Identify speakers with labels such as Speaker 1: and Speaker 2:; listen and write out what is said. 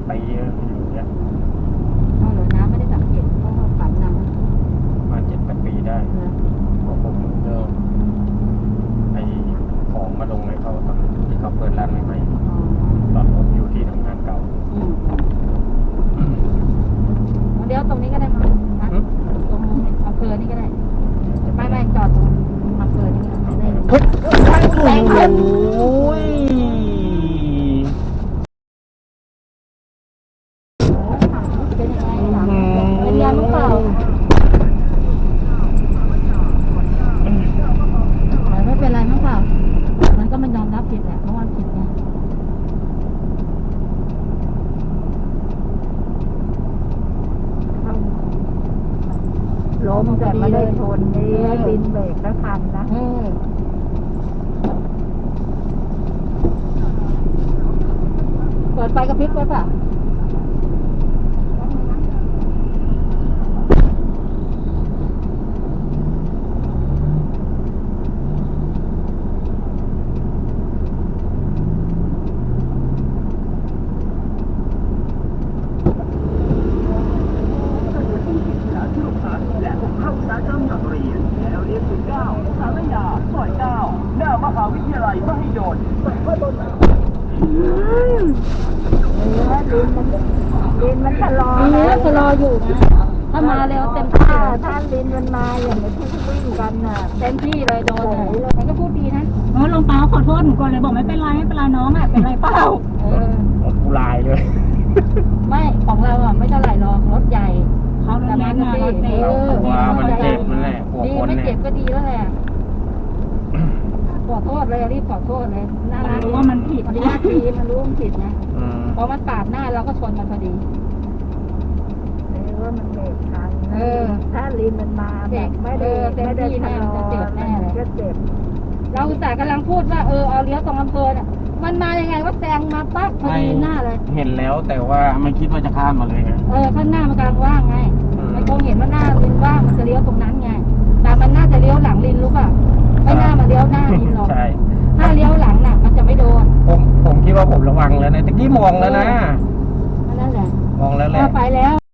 Speaker 1: ปีอยู่เนี่ย
Speaker 2: เอาเหรอน้ำไม่ได้สังเกตเพราะว่าปั๊มน้ำ
Speaker 1: ประมาณ7-8 ปีได้พอผมเริ่มไอของมาลงให้เขาตอนที่เขาเปิดร้านใหม่ๆตอนผมอยู่ที่ทำงานเก่า
Speaker 2: เดี๋ยวตรงนี้ก็ได้มั้งนะตรงอำเภอนี่ก็ได้ไม่จอดตรงอำเภอนี่ก็ได้
Speaker 1: โอ้ย
Speaker 2: เป็นยังไงถามเป็นยังมั้งเปล่าไม่เป็นไรมั้งเปล่ามันก็มันยอมรับผิดแหละเพราะว่าผิดไง
Speaker 3: ล้มแต่ไม่ได้ชนนี่ดินเบรกแล้วทันนะ
Speaker 2: เปิดไฟกระพริบไว้ป่ะ
Speaker 4: และผมเข้าสายจำหนักเรียนแล้วเรียนถึง9สารยาซอย9หน้ามหาวิทยาลัยมหิดล
Speaker 3: ดินมันชะลอ
Speaker 2: มีเนื้อชะลออยู่นะถ้ามาเร็วเต็มที่
Speaker 3: ถ้าดินมันมาอย่างที่วิ่งกันน่ะ
Speaker 2: เต็มที่เลยโดนมันก็พูดดีนะ
Speaker 5: ลงเปล่าขอโทษหนูก่อนเลยบอกไม่เป็นไรน้องอ่ะเป็นไรเปล่า
Speaker 1: กูลายเลย
Speaker 2: ไม่ของเราอ่ะไม่เท่าไหร่หรอกรถใหญ่
Speaker 5: เขาโดนแย่งงานรถเมล์
Speaker 1: ว่ามันเจ็บนั่นแหละหัว
Speaker 2: ดี
Speaker 1: คน
Speaker 2: ไม่
Speaker 1: เนี่
Speaker 2: เจ็
Speaker 1: ย
Speaker 2: บก็ดีแล้วแหละขอโทษเลยรีบขอโทษเลยน่ารัก
Speaker 5: รู้ว่ามันผิด
Speaker 2: มันยากดีมันรู้มันผิดนะ
Speaker 1: อืม
Speaker 2: พอมันปาดหน้าเราก็ชนมันพอดี
Speaker 3: ว่ามันเบรกทันถ้าดินมันมาแบบไม่ได้ชะลอก็เจ็บ
Speaker 2: เราอุตส่าห์กำลังพูดว่าเอาเลี้ยวตรงอำเภอเนี่ยมันมายังไงว่าแซงมาปั๊บพอดีหน้าเลย
Speaker 1: เห็นแล้วแต่ว่าไม่คิดว่าจะข้ามมาเลยไง
Speaker 2: ข้างหน้ามันกำลังว่างไงมันคงเห็นว่าหน้าลินว่างมันจะเลี้ยวตรงนั้นไงแต่มันน่าจะเลี้ยวหลังลินรู้ป่ะไม่น่ามาเลี้ยวหน้าลินหรอก
Speaker 1: ใช่
Speaker 2: ถ้าเลี้ยวหลังน่ะมันจะไม่โดน
Speaker 1: ผมคิดว่าผมระวังแล้วนะตะกี้มองแล้วนะ
Speaker 2: นั่นแหละ
Speaker 1: มองแล้วแหละ
Speaker 2: ไปแล้ว